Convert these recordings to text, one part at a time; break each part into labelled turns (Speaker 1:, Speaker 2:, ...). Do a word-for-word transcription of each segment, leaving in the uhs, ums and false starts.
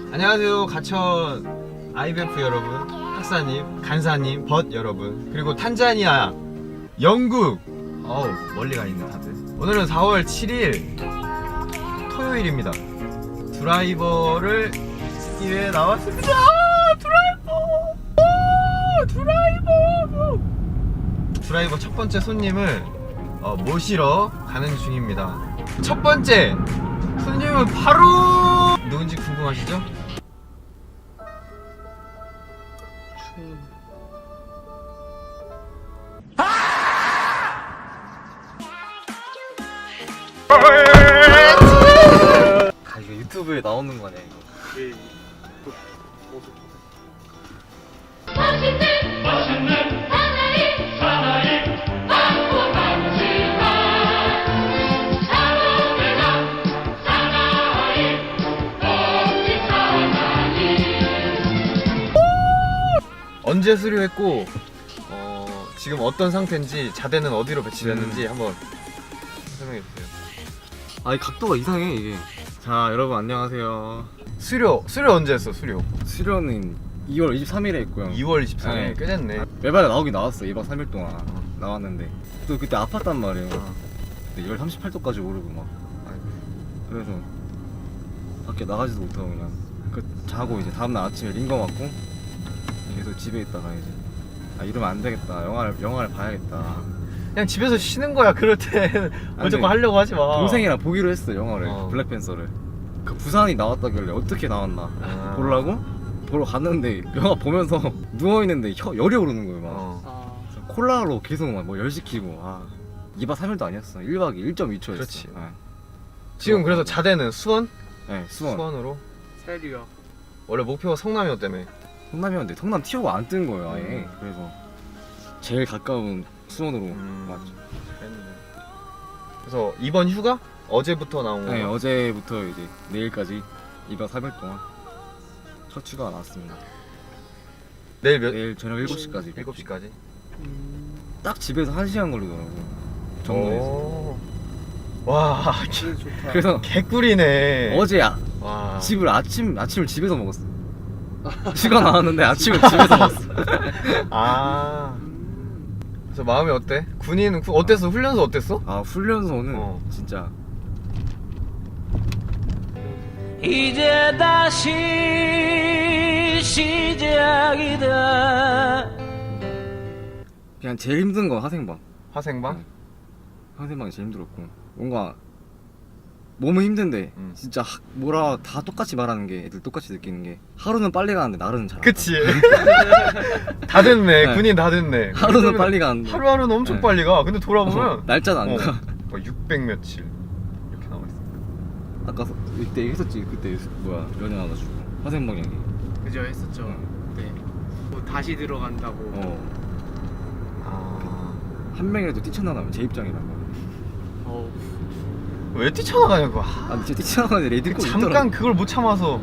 Speaker 1: 안녕하세요. 가천 아이비에프 여러분, 학사님, 간사님, 벗 여러분, 그리고 탄자니아, 영국, 어우 멀리 가 있네 다들. 오늘은 사월 칠일 토요일입니다. 드라이버를 쓰기 위해 나왔습니다. 드라이버, 오, 드라이버. 드라이버 첫 번째 손님을 어, 모시러 가는 중입니다. 첫 번째 손님은 바로 누군지 궁금하시죠?
Speaker 2: 아 이거 유튜브에 나오는 거냐 이거.
Speaker 3: 예. 그 모습.
Speaker 4: 맛있는 맛있는 사나이 사나이 맛고 감칠맛 사나이가 사나이 없지 사나이.
Speaker 1: 언제 수료했고 어, 지금 어떤 상태인지 자대는 어디로 배치됐는지
Speaker 2: 음.
Speaker 1: 한번 설명해 주세요.
Speaker 2: 아이 각도가 이상해 이게. 자 여러분 안녕하세요.
Speaker 1: 수료 수료 언제 했어? 수료
Speaker 2: 수료는 이월 이십삼일에 했고요.
Speaker 1: 이월 이십삼일.
Speaker 2: 네.
Speaker 1: 꽤 됐네.
Speaker 2: 매발에 나오긴 나왔어. 이박 삼일 동안 나왔는데 또 그때 아팠단 말이에요.
Speaker 1: 어.
Speaker 2: 그때 열 삼십팔 도까지 오르고 막. 그래서 밖에 나가지도 못하고 그냥 그 자고 이제 다음날 아침에 링거 맞고 계속 집에 있다가 이제 아 이러면 안 되겠다. 영화를 영화를 봐야겠다.
Speaker 1: 그냥 집에서 쉬는 거야. 그럴 때 무조건 하려고 하지 마.
Speaker 2: 동생이랑 보기로 했어 영화를.
Speaker 1: 어.
Speaker 2: 블랙팬서를. 그 부산이 나왔다길래 어떻게 나왔나
Speaker 1: 아.
Speaker 2: 보려고 보러 갔는데 영화 보면서 누워 있는데 혀 열이 오르는 거예요 막.
Speaker 1: 어.
Speaker 3: 아.
Speaker 2: 그래서 콜라로 계속 막 뭐 열 시키고 아 이박 삼일도 아니었어. 일 박이 일 점 이 초였어.
Speaker 1: 그렇지.
Speaker 2: 네.
Speaker 1: 지금 그래서 자대는 수원?
Speaker 2: 네, 수원.
Speaker 1: 수원으로.
Speaker 3: 세리요.
Speaker 1: 원래 목표가 성남이었다며.
Speaker 2: 성남이었는데 성남 티오가 안 뜬 거예요 아예.
Speaker 1: 음.
Speaker 2: 그래서 제일 가까운 수원으로
Speaker 1: 음.
Speaker 2: 왔죠.
Speaker 1: 잘했네. 그래서 이번 휴가 어제부터 나온 거.
Speaker 2: 네, 어제부터 이제 내일까지 이박 삼일 동안 첫 휴가가 나왔습니다.
Speaker 1: 내일 몇?
Speaker 2: 내일 저녁 일곱 시까지.
Speaker 1: 일곱 시까지.
Speaker 2: 딱 집에서 한 시간 걸리더라고. 정문에서.
Speaker 1: 와,
Speaker 3: 진짜 좋다.
Speaker 2: 그래서
Speaker 1: 개꿀이네.
Speaker 2: 어제 아,
Speaker 1: 와.
Speaker 2: 집을 아침 아침을 집에서 먹었어. 휴가 나왔는데 아침을 집에서 먹었어.
Speaker 1: 아. 그래서 마음이 어때? 군인 구- 어땠어? 훈련소 어땠어?
Speaker 2: 아 훈련소는
Speaker 1: 어.
Speaker 2: 진짜
Speaker 5: 이제 다시 시작이다.
Speaker 2: 그냥 제일 힘든 건 하생방.
Speaker 1: 화생방?
Speaker 2: 네. 하생방이 제일 힘들었고 뭔가 몸은 힘든데
Speaker 1: 음.
Speaker 2: 진짜 하- 뭐라 다 똑같이 말하는 게 애들 똑같이 느끼는 게 하루는 빨리 가는데 날은 잘 안 가.
Speaker 1: 그치. 다 됐네.
Speaker 2: 네.
Speaker 1: 군인 다 됐네.
Speaker 2: 하루는 빨리 가는데
Speaker 1: 하루하루는 엄청
Speaker 2: 네.
Speaker 1: 빨리 가. 근데 돌아보면
Speaker 2: 어, 날짜는 안
Speaker 1: 어,
Speaker 2: 가.
Speaker 1: 뭐 육백 며칠 이렇게 나와 있어.
Speaker 2: 아까 서- 이때 했었지. 그때 뭐야 연애 와가지고 하생방 얘기.
Speaker 3: 그죠 했었죠.
Speaker 2: 응.
Speaker 3: 네. 뭐 다시 들어간다고.
Speaker 2: 어.
Speaker 1: 아.
Speaker 2: 한 명이라도 뛰쳐나가면 제 입장이란 말이야.
Speaker 3: 어우.
Speaker 1: 왜 뛰쳐나가냐고.
Speaker 2: 아
Speaker 1: 아,
Speaker 2: 근데 진짜 뛰쳐나가는 레디코
Speaker 1: 잠깐 그걸 못 참아서.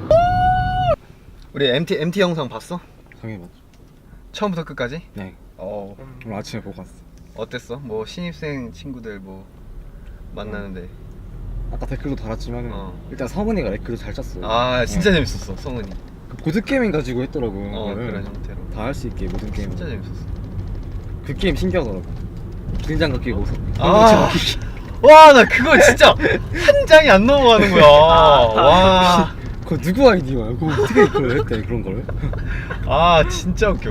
Speaker 1: 우리 엠티 엠티 영상 봤어?
Speaker 2: 당해봤죠.
Speaker 1: 처음부터 끝까지?
Speaker 2: 네.
Speaker 1: 어.
Speaker 2: 오늘 아침에 보고 왔어.
Speaker 1: 어땠어? 뭐 신입생 친구들 뭐 만나는데.
Speaker 2: 아까 댓글도 달았지만
Speaker 1: 어.
Speaker 2: 일단 성은이가 댓글을 잘 짰어.
Speaker 1: 아 진짜
Speaker 2: 어.
Speaker 1: 재밌었어 성은이.
Speaker 2: 그 보드 게임 가지고 했더라고.
Speaker 1: 어 그런 형태로.
Speaker 2: 다 할 수 있게 모든 게임.
Speaker 1: 진짜 재밌었어.
Speaker 2: 그 게임 신기하더라고. 긴장감 끼고.
Speaker 1: 아. 와 나 그거 진짜 한 장이 안 넘어가는 거야. 와.
Speaker 2: 그거 누구 아이디어야? 그거 어떻게 그걸 했대 그런 걸?
Speaker 1: 아 진짜 웃겨.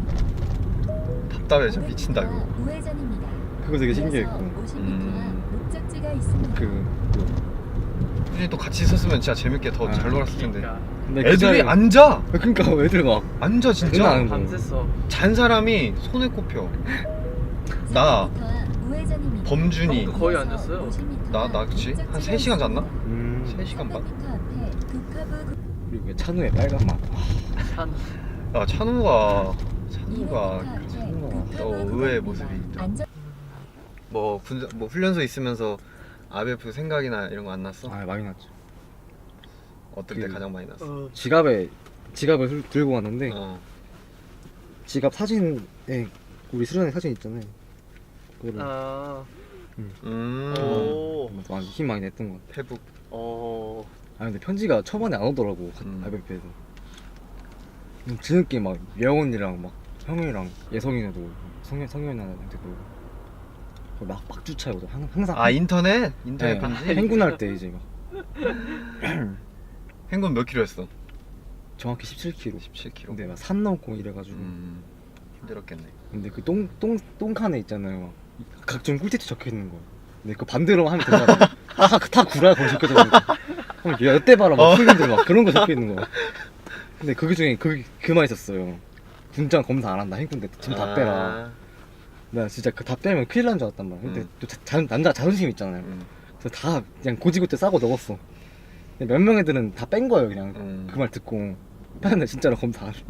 Speaker 1: 답답해 진짜 미친다 이거.
Speaker 6: 우회전입니다.
Speaker 2: 그거 되게 신기했고.
Speaker 1: 음.
Speaker 6: 목적지가 있습니다.
Speaker 2: 그, 그
Speaker 1: 굳이 또 같이 있었으면 진짜 재밌게 더 잘
Speaker 2: 아,
Speaker 1: 놀았을 텐데.
Speaker 3: 그러니까
Speaker 2: 근데 그
Speaker 1: 애들이
Speaker 2: 자리에-
Speaker 1: 앉아.
Speaker 2: 그러니까 애들 막
Speaker 1: 앉아
Speaker 2: 장난
Speaker 1: 진짜.
Speaker 2: 아니야.
Speaker 3: 밤샜어.
Speaker 1: 잔 사람이 손에 꼽혀. 나
Speaker 6: 우회전입니다.
Speaker 1: 범준이
Speaker 3: 형도 거의 앉았어요.
Speaker 1: 나 나 그치 한 세 시간 잤나?
Speaker 2: 음.
Speaker 1: 세 시간 반.
Speaker 2: 그리고 그 찬우의 빨간 맛.
Speaker 3: 산.
Speaker 1: 야 찬우가 찬우가 또 의외의 모습이 있다. 뭐 군, 뭐 훈련소 있으면서 아이비에프 생각이나 이런 거 안 났어?
Speaker 2: 아 많이 났죠.
Speaker 1: 어떨 때
Speaker 2: 그-
Speaker 1: 가장 많이 났어?
Speaker 3: 어.
Speaker 2: 지갑에 지갑을 들- 들고 왔는데
Speaker 1: 어.
Speaker 2: 지갑 사진에 우리 수련회 사진 있잖아요. 그거를
Speaker 3: 아.
Speaker 1: 음.
Speaker 3: 오.
Speaker 2: 많이 힘 많이 냈던 것 같아.
Speaker 1: 페북.
Speaker 3: 어.
Speaker 2: 아 근데 편지가 초반에 안 오더라고.
Speaker 1: 음.
Speaker 2: 아이백패에서. 뒤늦게 막 예원이랑 막 형이랑 예성이네도 성현 성현이한테도 막 막주차에 오더 항상.
Speaker 1: 아 인터넷? 인터넷
Speaker 2: 네,
Speaker 1: 편지?
Speaker 2: 행군할 때 이제 막
Speaker 1: 행군 몇 킬로 했어?
Speaker 2: 정확히 십칠 킬로미터.
Speaker 1: 십칠 킬로미터.
Speaker 2: 근데 막 산 넘고 이래가지고.
Speaker 1: 음, 힘들었겠네.
Speaker 2: 근데 그 똥 똥 똥칸에 있잖아요. 막 각종 꿀팁이 적혀 있는 거야. 근데 그 반대로 하면 되잖아. 다다 구라야 거기 적혀져 있는 거. 그럼 여태 봐라 막
Speaker 1: 어.
Speaker 2: 풀린들 막 그런 거 적혀 있는 거야. 근데 그 중에 그 그만 있었어요. 군장 검사 안 한다. 행군 때 지금 다 빼라.
Speaker 1: 아,
Speaker 2: 나 진짜 그 다 빼면 큰일 난 줄 알았단 말이야. 근데
Speaker 1: 음.
Speaker 2: 또 자, 자, 남자 자존심 있잖아요.
Speaker 1: 음,
Speaker 2: 그래서 다 그냥 고지고대 싸고 넣었어. 근데 몇 명 애들은 다 뺀 거예요. 그냥
Speaker 1: 음.
Speaker 2: 그 말 듣고 뺐는데 진짜로 검사 안 해.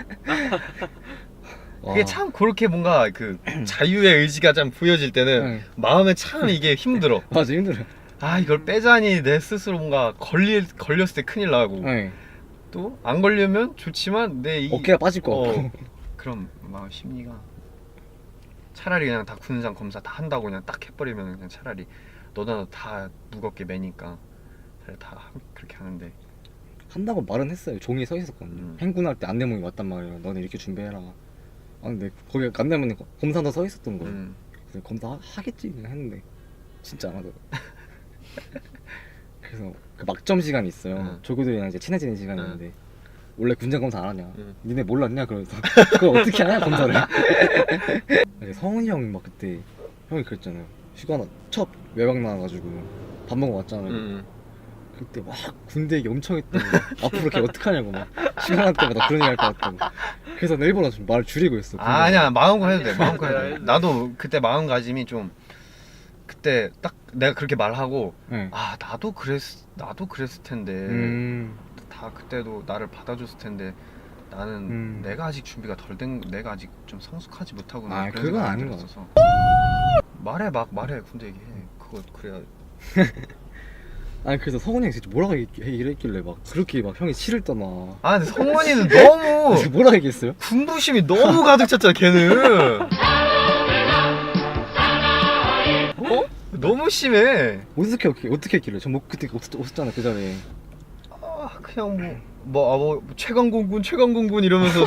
Speaker 1: 그게
Speaker 2: 와.
Speaker 1: 참 그렇게 뭔가 그 자유의 의지가 좀 보여질 때는
Speaker 2: 응.
Speaker 1: 마음에 참 이게 힘들어.
Speaker 2: 맞아 힘들어요.
Speaker 1: 아 이걸 빼자니 내 스스로 뭔가 걸릴 걸렸을 때 큰일 나고
Speaker 2: 네.
Speaker 1: 또 안 걸리면 좋지만 내 이
Speaker 2: 어깨가 빠질 것 같고.
Speaker 1: 어, 그럼 막 심리가 차라리 그냥 다 군장 검사 다 한다고 그냥 딱 해버리면 그냥 차라리 너나 다 무겁게 매니까 차라리 다 하- 그렇게 하는데
Speaker 2: 한다고 말은 했어요. 종이에 서 있었거든요.
Speaker 1: 음.
Speaker 2: 행군할 때 안내문이 왔단 말이에요. 너네 이렇게 준비해라. 아 근데 거기 안내문에 검사도 서 있었던 거예요.
Speaker 1: 음.
Speaker 2: 그래서 검사 하- 하겠지 그냥 했는데 진짜 안 하더라고. 그래서 그 막점 시간이 있어요.
Speaker 1: 응.
Speaker 2: 조교들이랑 이제 친해지는 시간이
Speaker 1: 응.
Speaker 2: 있는데 원래 군장 검사 안 하냐?
Speaker 1: 응.
Speaker 2: 니네 몰랐냐? 그러면서 그걸 어떻게 하냐 검사를. 아니, 성훈이 형 막 그때 형이 그랬잖아요. 휴가 나, 첫 외박 나와가지고 밥 먹어 왔잖아요.
Speaker 1: 음.
Speaker 2: 그때 막 군대 얘기 엄청 했다고 앞으로 걔 어떡하냐고 막 시간할 때마다 그런 얘기 할 것 같다고. 그래서 나 일본어 좀 말 줄이고 있어.
Speaker 1: 아, 아니야 마음껏 해도 돼 마음껏
Speaker 3: 해도
Speaker 1: 해도
Speaker 3: 돼.
Speaker 1: 돼 나도 그때 마음가짐이 좀 그때 딱 내가 그렇게 말하고
Speaker 2: 네.
Speaker 1: 아 나도 그랬 나도 그랬을 텐데
Speaker 2: 음.
Speaker 1: 다 그때도 나를 받아줬을 텐데 나는
Speaker 2: 음.
Speaker 1: 내가 아직 준비가 덜 된 내가 아직 좀 성숙하지 못하구나
Speaker 2: 아,
Speaker 1: 그런
Speaker 2: 그건
Speaker 1: 생각이
Speaker 2: 아닌 것
Speaker 1: 들었어서. 말해 막 말해 군대 얘기해 그거 그래야
Speaker 2: 아니 그래서 성훈이 형이 진짜 뭐라고 얘기- 얘기를 했길래 막 그렇게 막 형이 치를 떠나.
Speaker 1: 아 근데 성원이는 너무
Speaker 2: 그래서 뭐라고 얘기했어요?
Speaker 1: 군부심이 너무 가득 찼잖아 걔는 어? 너무 심해
Speaker 2: 어떻게 어떻게 어떻게 했길래? 전 뭐 그때 없었, 없었잖아 그 자리에.
Speaker 1: 아 그냥 뭐 뭐, 아, 뭐 최강공군 최강공군 이러면서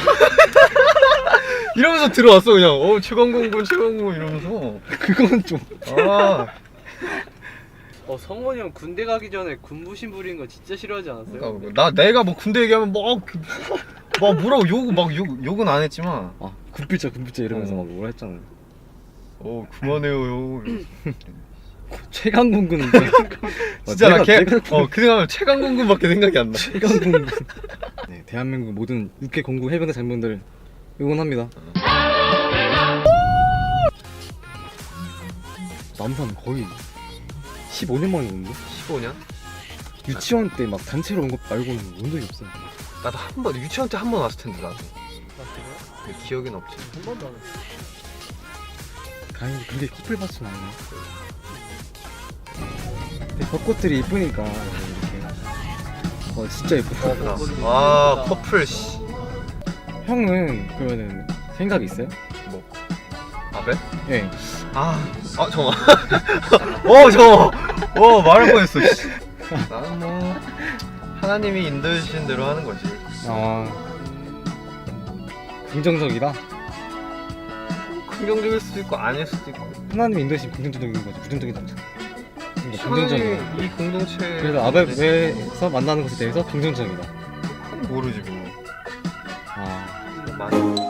Speaker 1: 이러면서 들어왔어 그냥 어 최강공군 최강공군 이러면서
Speaker 2: 그건 좀.
Speaker 1: 아
Speaker 3: 어 성원이 형 군대 가기 전에 군부심 부리는 거 진짜 싫어하지 않았어요?
Speaker 1: 그러니까 나 내가 뭐 군대 얘기하면 막, 막 뭐라고 욕, 막 욕, 욕은 안 했지만
Speaker 2: 아 군필자 군필자 이러면서
Speaker 1: 어.
Speaker 2: 막 뭐라 했잖아요.
Speaker 1: 어 그만해요 형 이러면서.
Speaker 2: 최강군군.
Speaker 1: 진짜 나 걔, 어, 그 생각하면 최강공군밖에 생각이 안 나.
Speaker 2: 최강군군. 네 대한민국 모든 육해 공군 해병대 장병들 응원합니다. 남산 거의 십오 년 만에 오는데?
Speaker 1: 십오 년?
Speaker 2: 유치원 때 막 단체로 온 것 말고는 온 적이 없어요.
Speaker 1: 나도 한 번, 유치원 때 한 번 왔을 텐데, 나도.
Speaker 3: 아, 그래요?
Speaker 1: 근데 기억은 없지.
Speaker 3: 한 번도 안 했어요.
Speaker 2: 다행히 그게 커플 바스는 아니네. 근데 벚꽃들이 이쁘니까 이렇게. 어 진짜 예쁘다.
Speaker 1: 아, 커플, 씨.
Speaker 2: 형은 그러면은 생각 있어요?
Speaker 1: 뭐, 아베?
Speaker 2: 예.
Speaker 1: 아, 아, 잠깐만. 어, 잠깐만. 어, 말할 뻔했어, 씨. 나는 뭐, 하나님이 인도해주신 대로 하는 거지.
Speaker 2: 아 긍정적이다.
Speaker 1: 긍정적일 수도 있고, 아닐 수도 있고.
Speaker 2: 하나님 인도심 긍정적인 거지. 부정적인 남자. 그러니까 긍정적인 거.
Speaker 1: 하나님이 이 공동체.
Speaker 2: 그래서 아베에서 만나는 것에 대해서 긍정적이다.
Speaker 1: 모르지, 뭐.
Speaker 2: 아
Speaker 1: 많이.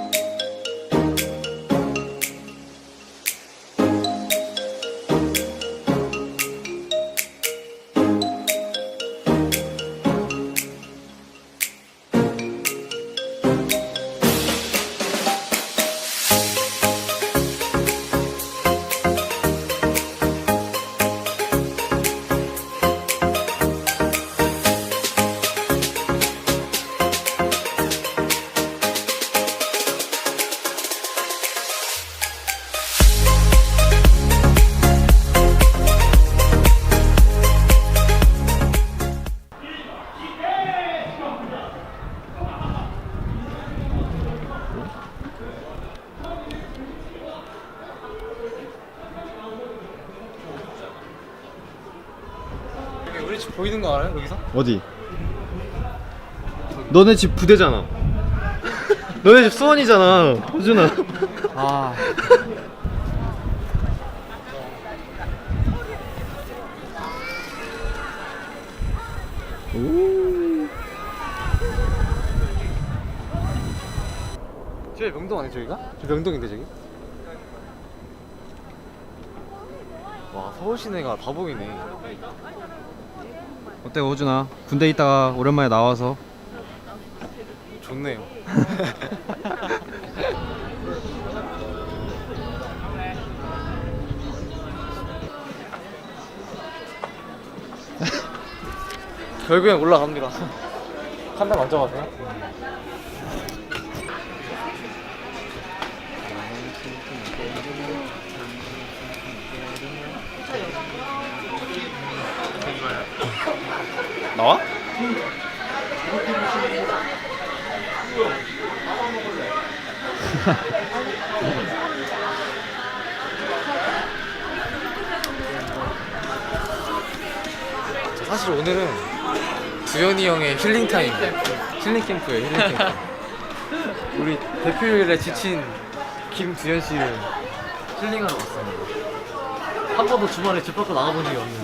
Speaker 2: 보이는 거 알아요 여기서?
Speaker 1: 어디? 너네 집 부대잖아. 너네 집 수원이잖아, 호준아.
Speaker 2: 아
Speaker 1: 오.
Speaker 2: 저기 명동 아니야 저기가? 저 명동인데 저기? 와 서울 시내가 다 보이네.
Speaker 1: 어때 호준아? 군대 있다가 오랜만에 나와서
Speaker 2: 좋네요. 결국엔 올라갑니다. 한 달 만져가세요.
Speaker 1: 나와?
Speaker 2: 사실 오늘은 두현이 형의 힐링 타임, 힐링 캠프예요. 힐링 캠프. 우리 대표일에 지친 김두현 씨를 힐링하러 왔습니다. 한 번도 주말에 집 밖으로 나가본 적이 없는데.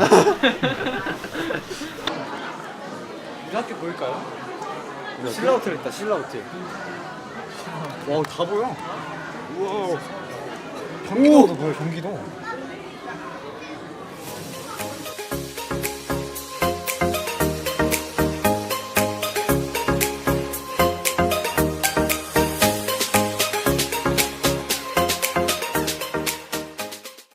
Speaker 2: 우리 학교 보일까요? 신라 호텔 있다. 신라 호텔. 와, 다 보여. 우와. 경기도도 보여. 경기도.